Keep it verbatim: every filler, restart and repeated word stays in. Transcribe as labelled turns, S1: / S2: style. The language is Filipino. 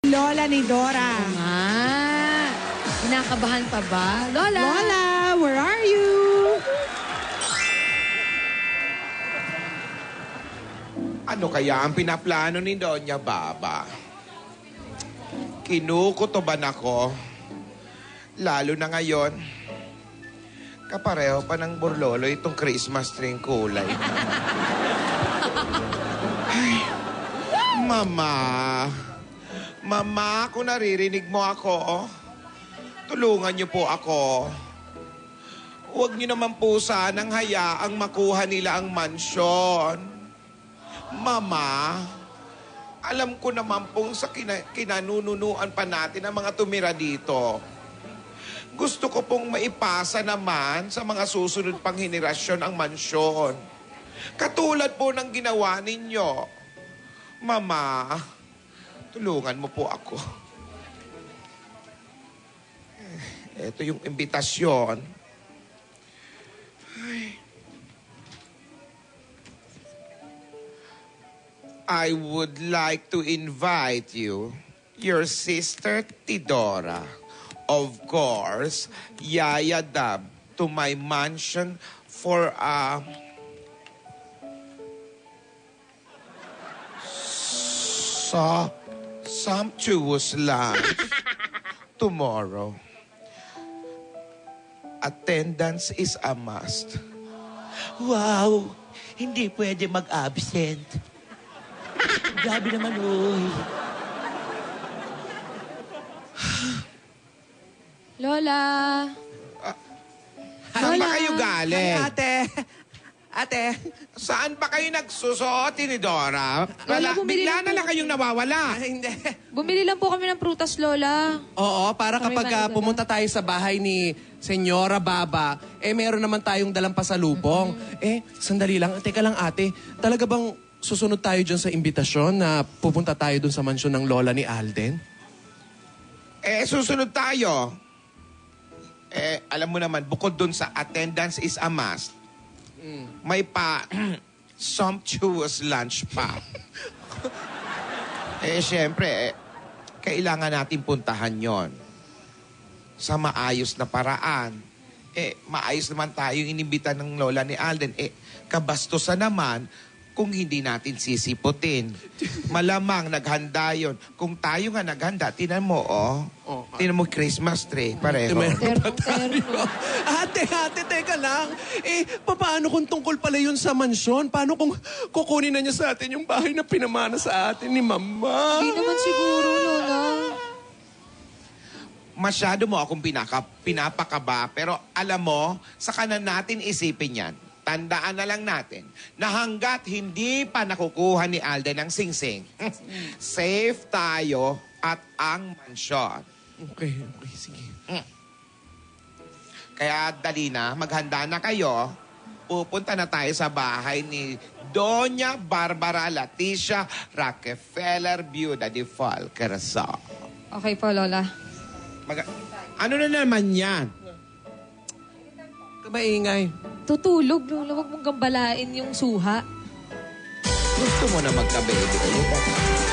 S1: Lola ni Dora.
S2: Oo nga. Kinakabahan pa ba? Lola!
S1: Lola, where are you?
S3: Ano kaya ang pinaplano ni Doña Baba? Kinukutoban ako. Lalo na ngayon. Kapareho pa ng burlolo itong Christmas tree kulay. Ay, Mama. Mama, kung naririnig mo ako, tulungan niyo po ako. Huwag niyo naman po sanang hayaang makuha nila ang mansyon. Mama, alam ko naman pong sa kina kinanununuan pa natin ang mga tumira dito. Gusto ko pong maipasa naman sa mga susunod pang henerasyon ang mansyon. Katulad po ng ginawa ninyo. Mama, tulungan mo po ako. Ito yung imbitasyon. Ay. I would like to invite you, your sister Tidora, of course, Yaya Dab, to my mansion for a so sumptuous lunch tomorrow. Attendance is a must.
S4: Wow! Hindi pwede mag-absent. Grabe naman, oy.
S2: Lola!
S3: Saan ba kayo
S1: Ay,
S3: galing?
S1: ate. Ate.
S3: Saan ba kayo nagsusuot, Tinidora? Wala,
S2: Lola, bumili
S3: bigla
S2: lang
S3: na
S2: po
S3: lang kayong nawawala.
S1: Hindi.
S2: Bumili lang po kami ng prutas, Lola.
S5: Oo, para
S2: Kami
S5: kapag
S2: ba,
S5: ah,
S2: Lola?
S5: pumunta tayo sa bahay ni Senyora Baba, eh meron naman tayong dalang pasalubong. Eh, sandali lang. Teka lang ate, talaga bang susunod tayo dyan sa imbitasyon na pupunta tayo dun sa mansyon ng lola ni Alden?
S3: Eh, susunod tayo. Eh, alam mo naman, bukod dun sa attendance is a must, may pa sumptuous lunch pa. Eh, syempre, eh, kailangan natin puntahan yon sa maayos na paraan. Eh, maayos naman tayo inimbita ng lola ni Alden. Eh, kabastusan naman kung hindi natin sisiputin. Malamang naghanda yon. Kung tayo nga naghanda, tinan mo, oh.
S5: Oh, ah.
S3: Tinan mo Christmas tree, pareho.
S2: Terno-terno.
S5: Ate, ate, teka lang. Eh, paano kung tungkol pala yun sa mansyon? Paano kung kukunin na niya sa atin yung bahay na pinamana sa atin ni Mama?
S2: Hindi naman siguro, Lola.
S3: Masyado mo akong pinaka, pinapakaba, pero alam mo, sa kanan natin isipin yan. Tandaan na lang natin na hanggat hindi pa nakukuha ni Alden ang singsing, safe tayo at ang mansyon.
S5: Okay, okay, sige.
S3: Kaya dali na, maghanda na kayo. Pupunta na tayo sa bahay ni Doña Barbara Leticia Rockefeller, Biuda de Falkerso.
S2: Okay po, Lola.
S3: Mag- ano na naman yan?
S5: Maingay.
S2: Tutulog, Lola. Huwag mong gambalain yung suha.
S3: Gusto mo na magka-baby ulit?